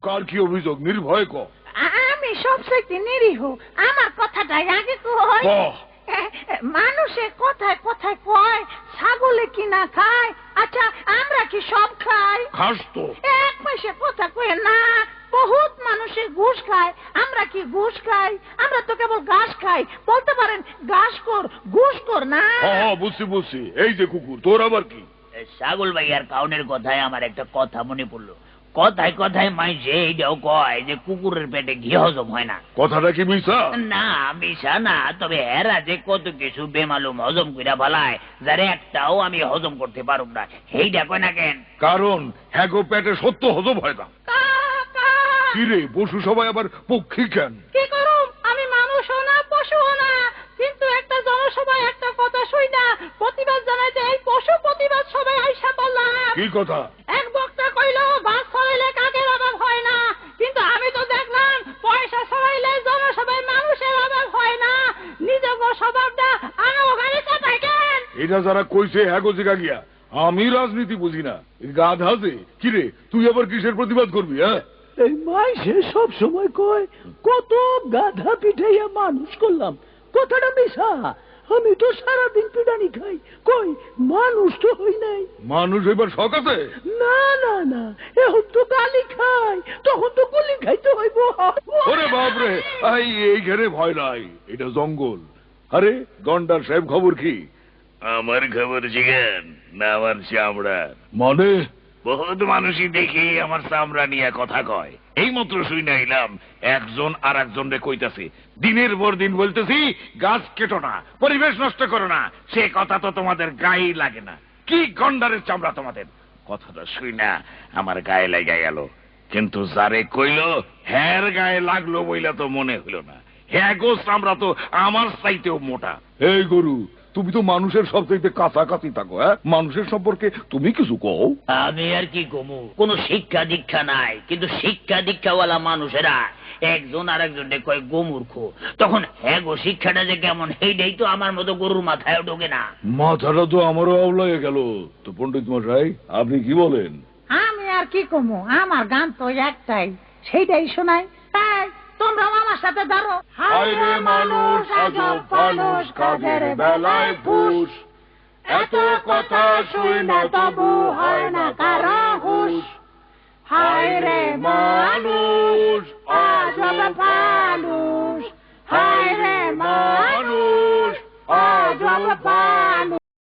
কার কি অভিযোগ নির্ভয় ক। আমি সবচেয়ে নিরীহ, আমার কথাটাই আগে কই। মানুষে কথায় কথায় কয় ছাগলে কিনা খায়, আচ্ছা আমরা কি সব খাই? খাস তো। এক পয়সা কথা কয়ে না, বহুত মানুষে ঘুষ খায়, আমরা কি ঘুষ খাই? আমরা তো কেবল ঘাস খাই, বলতে পারেন ঘাসকর ঘুষখোর না। বুঝছি বুঝছি, এই যে কুকুর, তোর আবার কি? ছাগল ভাইয়ার কাউনের কথায় আমার একটা কথা মনে পড়লো। কথায় কথায় মাইছে এইটাও কয় যে কুকুরের পেটে ঘি হজম হয় না। কথাটা কি মিশা? না মিশা না, তবে এরা যে কত কিছু বেমালুম হজম কইরা ফেলায়, যার একটাও আমি হজম করতে পারুম না, এইটা কয় না কেন? কারণ হ্যাগো পেটে সত্য হজম হয় না। কিরে পশু সবাই আবার পক্ষী কেন? কি করুম, আমি মানুষও না পশুও না, কিন্তু একটা জনসভায় একটা কথা শুই না প্রতিবাদ জানাইতে এই পশু প্রতিবাদ সবাই আইসা বললাম। কি কথা? এক বক্তা কইল গাছ ছড়াইলে কাকের অভাব হয় না, কিন্তু আমি তো দেখলাম পয়সা ছড়াইলে জনসভায় মানুষের অভাব হয় না। নিজের স্বভাবটা আনো গাড়ি চাপাই কেন? এটা যারা কইছে হ্যাগো জিগা গিয়া, আমি রাজনীতি বুঝি না, গাধা যে। কিরে তুই আবার কিসের প্রতিবাদ করবি? হ্যাঁ, এই মাইসে সব সময় কয় কত গাধা পিঠাইয়া মানুষ করলাম, কথাটা মিশা। আমি তো সারাদিন পিটানি খাই, কই মানুষ তো হই নাই। মানুষ এবার শখ আছে? না না না, এখন তো গালি খাই, তখন তো গুলি খাইতে হইব। ওরে বাপরে, এই ঘরে ভয় নাই, এটা জঙ্গল। আরে গন্ডার সাহেব খবর কি? আমার খবর জিগান না আমার চামড়া। মানে বহুত মানুষই দেখি আমার চামড়া নিয়ে কথা কয়। এই মাত্র শুই না এলাম একজন আর একজন রে কইতাছে, দিনের পর দিন বলতেছি গাছ কেটো না, পরিবেশ নষ্ট করো না, সে কথা তো তোমাদের গায়ে লাগে না। কি গন্ডারের চামড়া তোমাদের! কথাটা শুই না আমার গায়ে লেগে গেল, কিন্তু যারে কইল হ্যার গায়ে লাগলো বইলা তো মনে হইল না। হ্যাঁ গো, চামড়া তো আমার চাইতেও মোটা। এই গরু, তুমি তো মানুষের সবচাইতে কাছাকাছি থাকো। হ্যাঁ, মানুষের সম্পর্কে তুমি কিছু কও। আমি আর কি কমু, কোন শিক্ষা দীক্ষা নাই, কিন্তু শিক্ষা দীক্ষাওয়ালা মানুষেরা একজন আর একজনকে কয় গোমূর্খ। তখন হ্যাঁ গো, শিক্ষাটা যে কেমন সেইটাই তো আমার মতো গরুর মাথায় ঢোকে না। মাথাটা তো আমারও আওলায় গেল। তো পণ্ডিত মশাই, আপনি কি বলেন? আমি আর কি কমু, আমার গান তো একটাই, সেইটাই শোনাই। তাই তোমরাও আমার সাথে ধরো। হায় রে মানুষ, আজব মানুষ, কাজের বেলায় ফুস। এত কথা শুই না তবু হয় না কারো হুশ। হায় রে মানুষ, আজব মানুষ।